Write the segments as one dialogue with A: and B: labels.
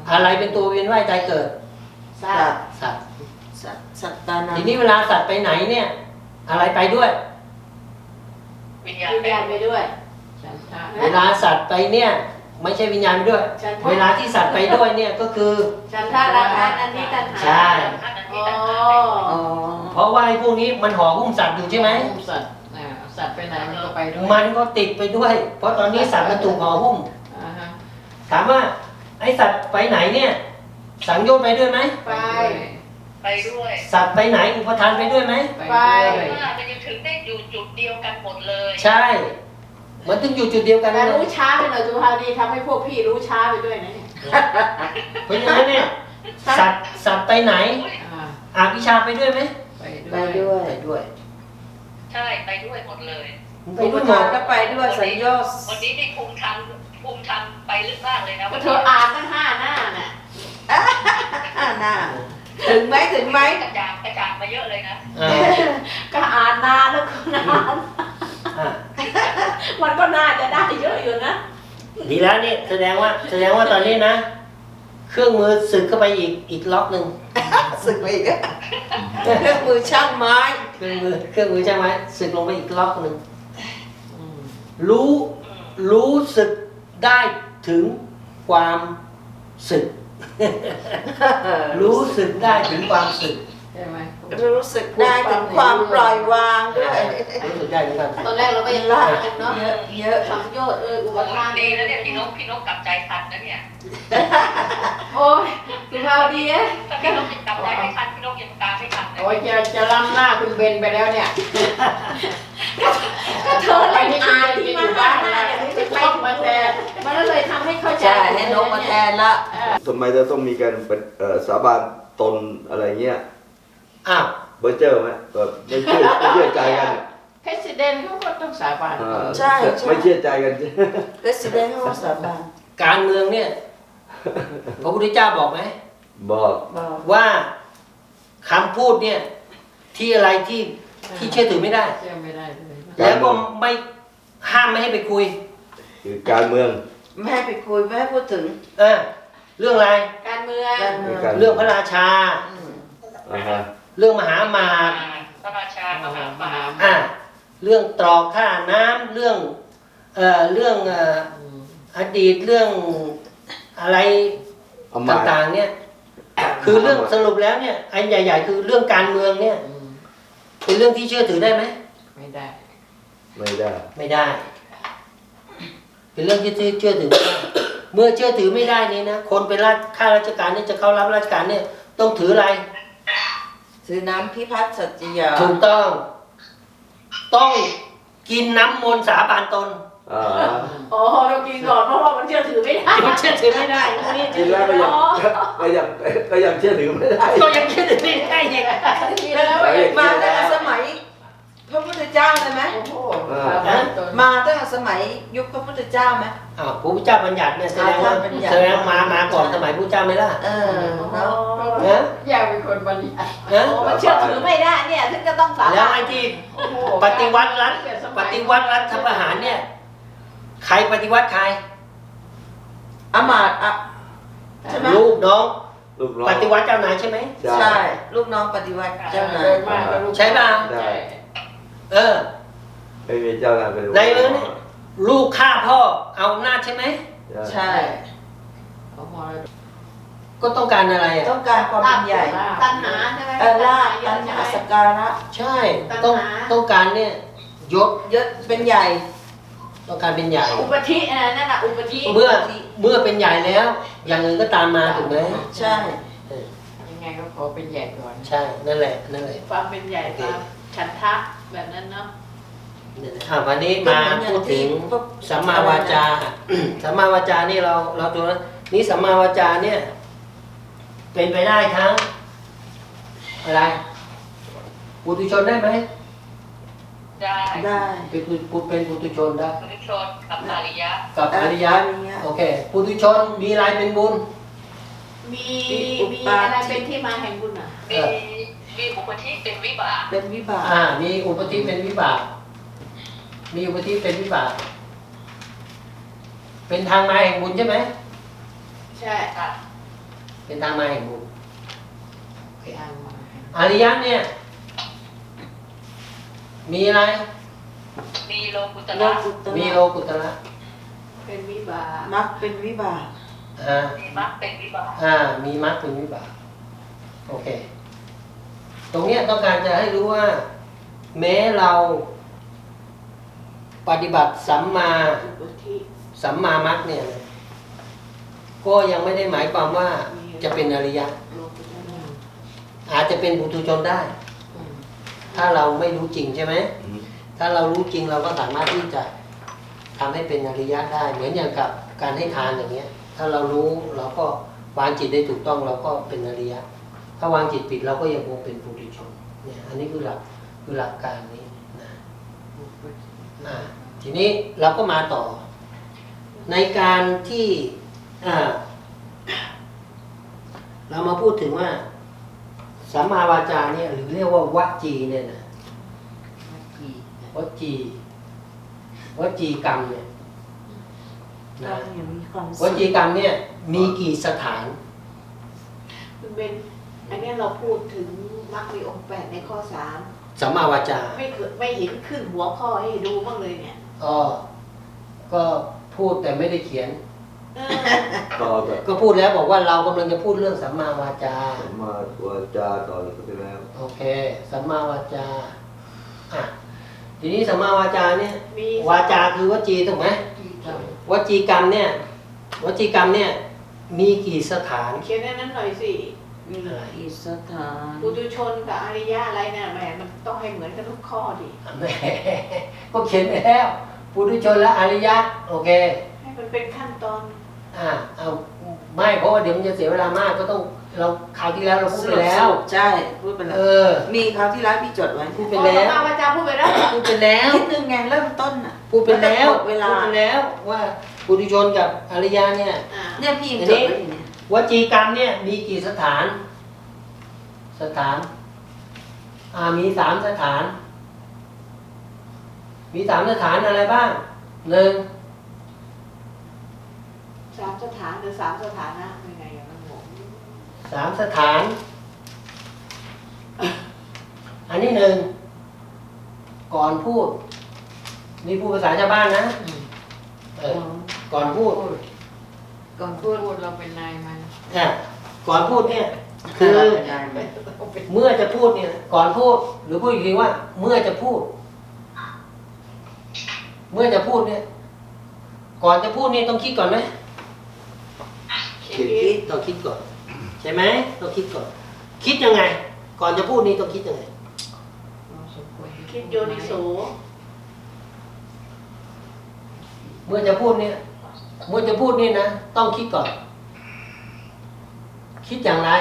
A: อะไรเป็นตัวเวียนว่ายตายเกิด
B: สัตว์
A: สัตว์
B: สัตว์ตานา
A: ทีนี้เวลาสัตว์ไปไหนเนี่ย อะไรไปด้วย
C: วิญญาณ
D: วิญญาณไปด้วย
B: ฉันทะ
A: เวลาสัตว์ไปเนี่ย ไม่ใช่วิญญาณไปด้วย
D: ฉันทะ
A: เวลาที่สัตว์ไปด้วยเนี่ยก็คือ
D: ฉันทาราคะนันทิตัณหา
A: ใช่
D: อ๋อ
B: อ๋อ
A: เพราะว่าไอ้พวกนี้มันห่อหุ้มสัตว์อยู่ใช่ไหม
B: หุ้มสัตว์สัตว์ไปไหนมันก็ไปด้วย
A: มันก็ติดไปด้วย เพราะตอนนี้สัตว์มันถูกห่อหุ้ม
B: อ่าฮะ
A: ถามว่าไอ้สัตว์ไปไหนเนี่ย สังโยชน์ไปด้วยไหม
D: ไป
C: ไปด้วย
A: สัตว์ไปไหนอุปทานไปด้วยไหม
D: ไป
B: ด้วย
C: ว่ามันยังถึงได้อยู่จุดเดียวกันหมดเลย
A: ใช่ มันถึงอยู่จุดเดียวกัน
D: แต่
A: เลย
D: รู้ช้าไปหน่อยจุฬาดีทำให้พวกพี่รู้ช้าไปด้วยนะเนี่ย
A: เพราะฉะนั้นเนี่ยสัตว์ไปไหน
B: อ่า
A: อวิชชาไปด้วยไหม
B: ไป
E: ไป
B: ด้วย
E: ด้วย
A: ไปด้วย
C: ใช่ไปด้วยหมดเลย
A: ไป
E: อุป
A: ด้วยหม
E: ทาน
A: ด
E: ก็ไปด้วยสัญญา
C: วันนี้นี่ภูมิธรรมไปลึกมากเลยนะ
D: ก็เธออ่านตั้ง5 หน้าน่ะ
E: หน้าถึงไหมถึงไหม
C: กระจาดมาเยอะเลยนะ
A: อ่า
D: ก็อ่านนานแล้วก็นาน
A: อ่า
D: มันก็น่าจะได้เยอะอยู่นะ
A: ดีแล้วนี่แสดงว่าตอนนี้นะ เครื่องมือสึกเข้าไปอีกล็อกหนึ่ง
E: สึกไปอีกอะเครื่องมือช่างไม้
A: เครื่องมือใช่ไหมสึกลงไปอีกล็อกหนึ่ง
B: อืม
A: รู้สึกได้ถึงความสึก รู้สึกได้ถึงความสึก
B: ใช่ไหม
E: รู้สึกได้ถึงความปล่อยวางด้วย
A: รู้สึกได้ถึงความสึก
D: ตอนแรกเราก็ยังรักกันเนาะ
E: เยอะเยอะ
D: สังโยชน์อุปทาน
C: ดีแล้วเนี่ยพี่นกกลับใจทันนะเนี่ย
D: โอ้ยสุภาพดีเอ๊ะ
C: ถ้าพี่นกกลับใจไม่ทันพี่นกยังตามไม่ทันนะ
B: โอ้ยจะล้ำหน้าคุณเบนไปแล้วเนี่ย
D: ก็เธอเล่นอ่านที่มา5 หน้าเนี่ยรู้สึกไป
B: ต้องมาแทน
D: มันก็เลยทำให้เข้าใจ
E: ใช่ให้นกมาแทนละ
F: ทำไมจะต้องมีการเป็นสาบานตนอะไรเงี้ย
A: อ้าว
F: เบอร์เจอร์ไหมแบบไม่เชื่อใจกัน
B: เพรสิดเนนเขาก็ต้องสาบาน
E: ใช่
F: ไม่เชื่อใจกัน
E: เรสซิเดนต์เขาสาบาน
A: การเมืองเนี่ยพระพุทธเจ้าบอกไหม
F: บอก
E: บอก
A: ว่าคำพูดเนี่ย ที่อะไรที่เชื่อถือไม่ได้
B: เชื่อไม่ได้เลย
A: แล้วก็ไม่ห้ามไม่ให้ไปคุย
F: คือการเมือง
E: ไม่ให้ไปคุยไม่ให้พูดถึง
A: เรื่องอะไร
D: การเมือง
E: การเมือง
A: เรื่องพระราชา
E: อืม
F: อ่าฮะ
A: เรื่องมหาอมาตย์
C: พระราชามหามา
A: เรื่องตรอกค่าน้ำเรื่องอดีตเรื่องอะไร
F: เอามา
A: ต่างๆเนี่ย คือเรื่องสรุปแล้วเนี่ยอันใหญ่ ๆ คือเรื่องการเมืองเนี่ย
B: อืม
A: เป็นเรื่องที่เชื่อถือได้ไหม
B: ไม่ได้
F: ไม่ได้
A: ไม่ได้ เป็นเรื่องที่เชื่อถือไม่ได้ เมื่อเชื่อถือไม่ได้นี่นะคนเป็นข้าราชการเนี่ยจะเข้ารับราชการเนี่ยต้องถืออะไร
E: ถือน้ำพิพัฒน์สัจจยา
A: ถูกต้องกินน้ำมนต์สาบานตน
F: อ่า
D: โอ้เรากินก่อนเพราะว่ามันเชื่อถือไม่ได้
A: มันเชื่อถือไม่ได้พวกนี้
F: กินแล้วก็ยังเชื่อถือไม่ได้
A: ก็ยังเชื่อถือไม่ได้อีก
D: แล้ว
E: มาตั้งแต่สมัยพระพุทธเจ้าเลยไหม
B: โอ้โหสาบานตน
E: มาตั้งแต่สมัยยุคพระพุทธเจ้าไหม
A: พระพุทธเจ้าบัญญัติเนี่ยแสดงว่า
E: บัญญัติ
A: แสดงมาก่อนสมัยพระพุทธเจ้าไหมล่ะ
E: เออเนาะ
A: นะ
B: อยากเป็นคนบัญญัติ
A: นะ
D: มันเชื่อถือไม่ได้เนี่ยถึงจะต้องสา
A: แล้ว
D: บาน
A: ไอ้ที่
B: โอ้โห
A: ปฏิวัติรัฐประหารเนี่ยใครปฏิวัติใคร
E: อามาตย์อะใช่ไหม
A: ลูกน้อง
F: ลูกน้อง
A: ปฏิวัติเจ้านายใช่ไหม
E: ใช่ ลูกน้องปฏิวัติเจ้านาย
B: มากกว่าลูก
A: ใช่ป่ะ
B: ใช่
F: ไม่มีเจ้านายเป็น
A: ในเรื่องนี้ลูกฆ่าพ่อเอาอำนาจใช่ไหม
E: ใช่
B: เขามรดก
A: ก็ต้องการอะไรอ่ะ
E: ต้องการความเป็นใหญ่
D: ตัณหาใช่ไหม
E: ลาภตัณหาสกการะ
A: ใช่ต้องการเนี่ยยศ
E: ยศเป็นใหญ่
A: ต้องการเป็นใหญ่
D: อุปธินั่นน่ะอุปธิ
A: เมื่อเป็นใหญ่แล้ว อย่างอื่นก็ตามมาถูกไหม
E: ใช่
B: ยังไงก็ขอเป็นใหญ่ก่อน
A: ใช่นั่นแหละ
D: ความเป็นใหญ่ความฉันทะแบบนั้นเนาะ
A: วันนี้มาพูดถึงสัมมาวาจา สัมมาวาจานี่เราดูนะนี่สัมมาวาจาเนี่ย เป็นไปได้ทั้งอะไรปุถุชนได้ไหม
C: ได้
E: ได้
A: เป็นปุถุชนได้
C: ปุถุชนกับอริยะ
A: กับอริยะ โอเคปุถุชนมีอะไรเป็นบุญ
D: มีอะไรเป็นที่มาแห่งบุญอ่ะ
C: มีอุปธิเป็นวิบาก
E: เป็นวิบาก
A: มีอุปธิเป็นวิบาก มีอุปธิเป็นวิบาก เป็นทางมาแห่งบุญใช่ไหม
D: ใช่
C: ค่ะ
A: อเป็นทางมาแห่งบุญ
B: ทางมา
A: อริยะเนี่ยมีอะไร
C: มีโลกุต
E: โล
C: ระ
E: กุต
A: มี
E: ระ
A: โลกุตระ
D: เป็นวิบาก
E: มักเป็นวิบาก
C: มีมรรคเป็นวิบาก
A: มีมรรคเป็นวิบากโอเค ตรงเนี้ยต้องการจะให้รู้ว่า แม้เราปฏิบัติสัมมา
D: อุปธิ
A: สัมมามรรคเนี่ยก็ยังไม่ได้หมายความว่าจะเป็นอริยะ
D: โลกุตระ
A: อาจจะเป็นปุถุชนได้
B: อืม
A: ถ้าเราไม่รู้จริงใช่ไหม
F: อืม
A: ถ้าเรารู้จริงเราก็สามารถที่จะทำให้เป็นอริยะได้ เหมือนอย่างกับการให้ทานอย่างเงี้ย ถ้าเรารู้เราก็วางจิตได้ถูกต้องเราก็เป็นอริยะ ถ้าวางจิตผิดเราก็ยังคงเป็นปุถุชนเนี่ยอันนี้คือหลักการนี้นะทีนี้เราก็มาต่อ ในการที่เรามาพูดถึงว่าสัมมาวาจาเนี่ยหรือเรียกว่าวจีเนี่ยนะ วจีกรรมเนี่ย
E: เรา
A: นะ
E: อย่างมีความ
A: ว
E: สุข
A: จีกรรมเนี่ยมีกี่สถาน
D: คุณเป็นอันเนี้ยเราพูดถึงมรรคมีองค์8ในข้อ
A: สัมมาวาจา
D: 3ไม่เห็นขึ้นหัวข้อให้ดูบ้างเลยเนี่ย
A: ก็พูดแต่ไม่ได้เขียน
D: เออ
F: ต่อจาก
A: ก็พูดแล้วบอกว่าเรากำลังจะพูดเรื่องสัมมาวาจา
F: สัมมาวาจาต่อจากไปแล้ว
A: โอเค สัมมาวาจาทีนี้สัมมาวาจาเนี่ย
D: มี
A: วาจาคือวจีถูกไหมวจีกรรมเนี่ย มีกี่สถาน
D: เขียนในนั้นหน่อยสิ
E: มีอีสถาน
D: ปุถุชนกับอริยะอะไรเนี่ยแหมมันต้องให้เหมือนกันทุกข้อดิ
A: แหมก็เขียนไปแล้วปุถุชนและอริยะโอเค
D: ให้มันเป็นขั้นตอน
A: เอาไม่เพราะว่าเดี๋ยวมันจะเสียเวลามากก็ต้องเราคราวที่แล้วเราพูดไปแล้ว
E: ใช่พูดไปแล้ว มีคราวที่แล้วพี่จดไว้
A: พูดไปแล้ว
D: สัมมาวาจาพูดไปแล้ว
A: พูดไปแล้ว
E: นิดนึงไงเริ่มต้นอ่ะ
A: พูดไปแล้ว
E: หมดเวลา
A: พูดไปแล้วว่าปุถุชนกับอริยะเนี่ย
E: เนี่ยพี่ยังจดไว้อยู่เนี่ยว
A: จีกรรมเนี่ยมีกี่สถาน มี3 สถาน มี3 สถานอะไรบ้าง
D: 3 สถานหรือ3 สถานะยังไงอะมันงง
A: 3 สถาน อันที่1ก่อนพูด นี่พูดภาษาชาวบ้านนะก่อนพูด
B: ก่อนพูดเราเป็นนายมัน
A: ก่อนพูดเนี่ยคือ
E: ได้ไหม
A: เมื่อจะพูดเนี่ยก่อนพูดหรือพูดอีกทีว่า เมื่อจะพูด เมื่อจะพูดเนี่ย ก่อนจะพูดนี่ต้องคิดก่อนไหม
D: คิด
A: ต้องคิดก่อน ใช่ไหมต้องคิดก่อน คิดยังไง ก่อนจะพูดนี่ต้องคิดยังไง
B: เราสมควร
D: คิดโยนิโส
A: เมื่อจะพูดเนี่ยเมื่อจะพูดนี่นะต้องคิดก่อน คิดอย่างไร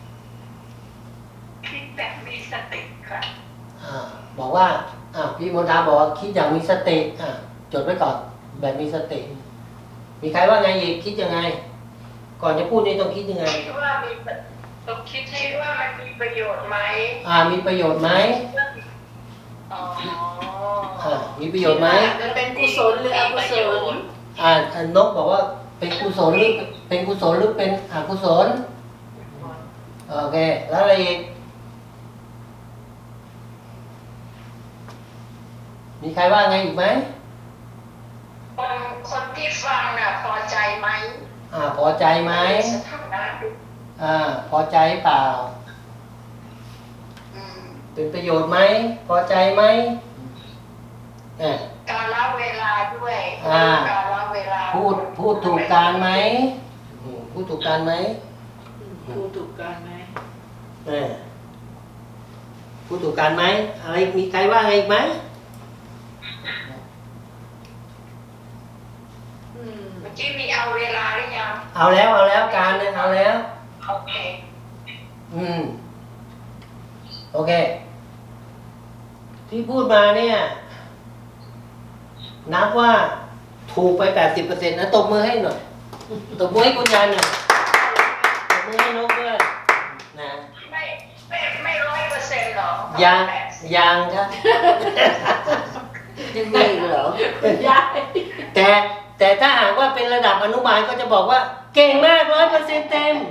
C: คิดแบบมีสติค่ะ
A: บอกว่าพี่มนทาบอกว่าคิดอย่างมีสติจดไว้ก่อน แบบมีสติ มีใครว่าไงอีกคิดยังไง ก่อนจะพูดนี่ต้องคิดยังไง
C: คิดว่ามีต้องคิดว่ามันมีประโยชน์ไหม
A: มีประโยชน์ไหม
C: อ๋อ
A: มีประโยชน์ไหม
D: มันเป็นกุศลหรืออกุศล
A: นกบอกว่าเป็นกุศลหรือเป็นอกุศลโอเคแล้วอะไรอีกมีใครว่าไงอีกไหม
C: คนที่ฟังน่ะพอใจไหม
A: พอใจไหม
C: สถานะดู
A: พอใจเปล่า
C: อืม
A: เป็นประโยชน์ไหมพอใจไหม
C: การละเวลาด้วย การละเวลา
A: พูดถูกการไหมพูดถูกการไหม
D: พูดถูกกันไหม
A: พูดถูกการไหมอะไรมีใครว่าไงอีกไหม
C: เมื่อกี้มีเอาเวลาหรือยัง
A: เอาแล้วการเนี่ยเอาแล้ว
C: โอเค
A: โอเค ที่พูดมาเนี่ย นับว่าถูกไป 80%นะตบมือให้หน่อยตบมือให้คุณยายหน่อยตบมือให้นกด้วยนะ
C: ไม่100%หรอ
A: ยังครับ
E: ยังมีอีกเหรอ
D: ยาย
A: แต่แต่ถ้าหากว่าเป็นระดับอนุบาลก็จะบอกว่าเก่งมาก100%เต็ม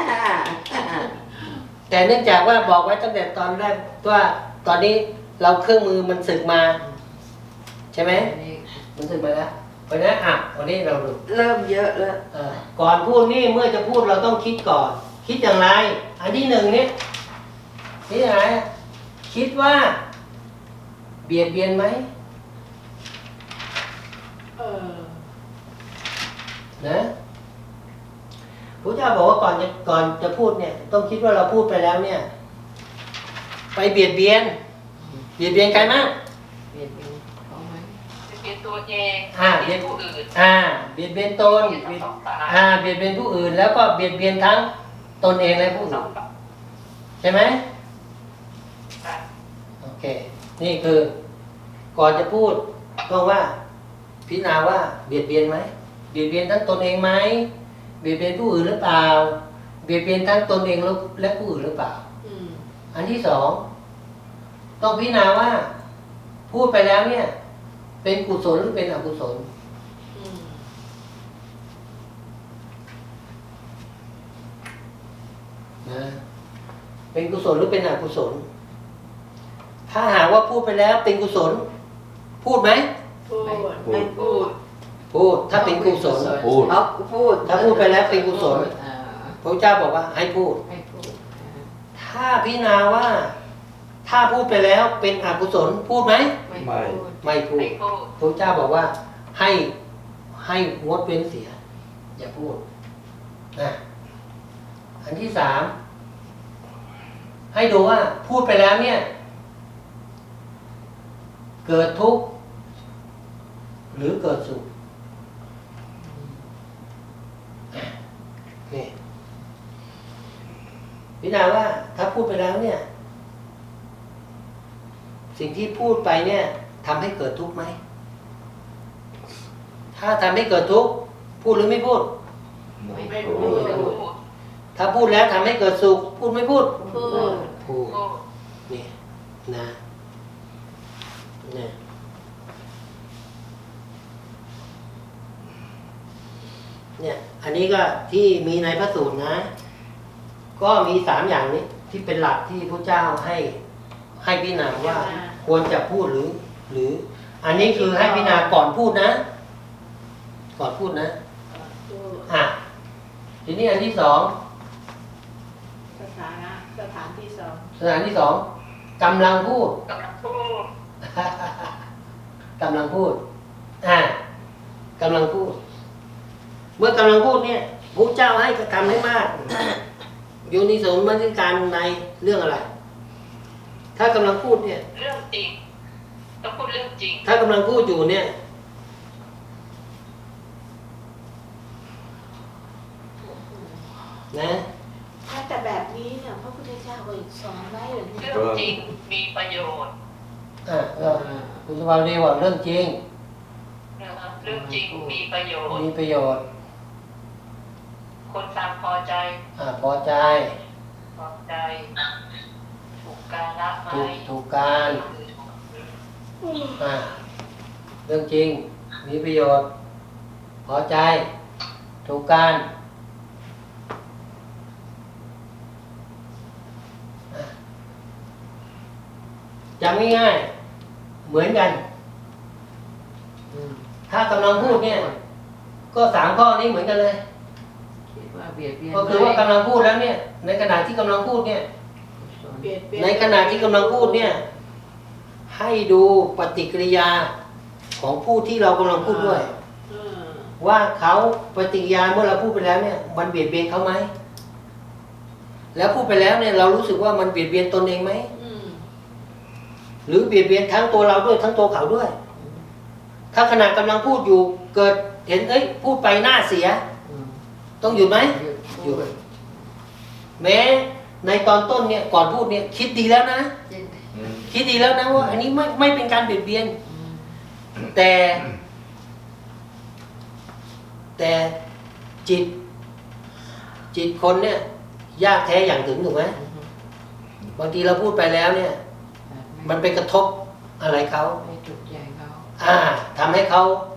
A: แต่เนื่องจากว่าบอกไว้ตั้งแต่ตอนแรกว่าตอนนี้เราเครื่องมือมันสึกมา ใช่ไหม
B: อันนี้
A: มันสึกมาแล้วเพราะฉะนั้นวันนี้เราดู
E: เริ่มเยอะแล้ว
A: ก่อนพูดนี่เมื่อจะพูดเราต้องคิดก่อน คิดอย่างไร อันที่หนึ่งเนี่ยคิดอย่างไรคิดว่า เบียดเบียนไหม นะพระเจ้าบอกว่าก่อนจะพูดเนี่ย ต้องคิดว่าเราพูดไปแล้วเนี่ย ไปเบียดเบียนใครมาก
B: เบียดเบียนเขาไหม
C: เป็นตัวเอง
A: เบียด
C: ผู้อื่น
A: เบียดเบียนตนเบียดเบียดเบียนผู้อื่น แล้วก็เบียดเบียนทั้งตนเองและผู้อื่นใช่ไหมโอเค นี่คือ ก่อนจะพูดต้องว่าพิจารณาว่าเบียดเบียนไหมเบียดเบียนทั้งตนเองไหมเบียดเบียนผู้อื่นหรือเปล่าเบียดเบียนทั้งตนเองและผู้อื่นหรือเปล่า อันที่สองต้องพิจารณาว่า พูดไปแล้วเนี่ย เป็นกุศลหรือเป็นอกุศลนะเป็นกุศลหรือเป็นอกุศล ถ้าหากว่าพูดไปแล้วเป็นกุศล พูดไหม
D: พูด
E: ไม่พูด
A: พูดถ้าเป็นกุศล
F: พูด
E: เอาพูด
A: ถ้าพูดไปแล้วเป็นกุศล พระเจ้าบอกว่าให้พูด
B: ให้พูด
A: ถ้าพิจารณาว่า ถ้าพูดไปแล้วเป็นอกุศลพูดไหม
B: ไม่พูด
A: ไม่พูด
C: ไม่พูด
A: พระเจ้าบอกว่าให้งดเว้นเสีย อย่าพูดนะอันที่สามให้ดูว่าพูดไปแล้วเนี่ย เกิดทุกข์หรือเกิดสุขนี่พิจารณาว่าถ้าพูดไปแล้วเนี่ย สิ่งที่พูดไปเนี่ยทำให้เกิดทุกข์ไหมถ้าทำให้เกิดทุกข์พูดหรือไม่พูด
D: ไม่พูด
C: ไม่พูด
A: ถ้าพูดแล้วทำให้เกิดสุขพูดไม่พูด
D: พูด
A: พูด
C: พูด
A: นี่นะเนี่ยเนี่ย อันนี้ก็ที่มีในพระสูตรนะ ก็มี3อย่างนี้ที่เป็นหลักที่พระเจ้าให้พิจารณาว่า ควรจะพูดหรือ อันนี้คือให้พิจารณาก่อนพูดนะ ก่อนพูดนะ
D: พูด
A: ทีนี้อันที่สอง
D: สถานะสถานที่สอง
A: สถานที่สองกำลังพูด
C: กำลังพูด
A: กำลังพูดกำลังพูด เมื่อกำลังพูดเนี่ยพระเจ้าให้กระทำให้มาก โยนิโสมนสิการในเรื่องอะไร ถ้ากำลังพูดเนี่ย
C: เรื่องจริงต้องพูดเรื่องจริง
A: ถ้ากำลังพูดอยู่เนี่ย นะ
D: ถ้าแต่แบบนี้เนี่ยพระพุทธเจ้าก็สอนไว้เหรือ
C: เรื่องจริงมีประโยชน์
A: คุณสภาพเรียกว่าเรื่องจริง
C: นะครับเรื่องจริงมีประโยชน์
A: มีประโยชน์
C: คนฟังพอใจ
A: พอใจ
C: พอใจ ถูกการละไหม
A: ถูกการเรื่องจริง มีประโยชน์ พอใจ ถูกการจำง่ายๆเหมือนกัน ถ้ากำลังพูดเนี่ย ก็3ข้อนี้เหมือนกันเลย
B: คิดว่าเบียดเบียน
A: ก็คือว่ากำลังพูดแล้วเนี่ย ในขณะที่กำลังพูดเนี่ย
D: เปลี่ยนเปลี่ยน
A: ในขณะที่กำลังพูดเนี่ย ให้ดูปฏิกิริยาของผู้ที่เรากำลังพูดด้วย ว่าเขาปฏิกิริยาเมื่อเราพูดไปแล้วเนี่ย มันเบียดเบียนเขาไหมแล้วพูดไปแล้วเนี่ย เรารู้สึกว่ามันเบียดเบียนตนเองไหมหรือเบียดเบียนทั้งตัวเราด้วยทั้งตัวเขาด้วย ถ้าขณะกำลังพูดอยู่เกิดเห็นพูดไปหน้าเสีย ต้องหยุดไหม หยุด แม้ในตอนต้นเนี่ยก่อนพูดเนี่ย คิดดีแล้วนะ คิดดีแล้วนะว่า อันนี้ไม่เป็นการเบียดเบียน แต่จิตคนเนี่ย ยากแท้อย่างถึงถูกไหมบางทีเราพูดไปแล้วเนี่ย มันไปกระทบอะไรเขา
B: ไม่ถูกใจเขา
A: ทำให้เขา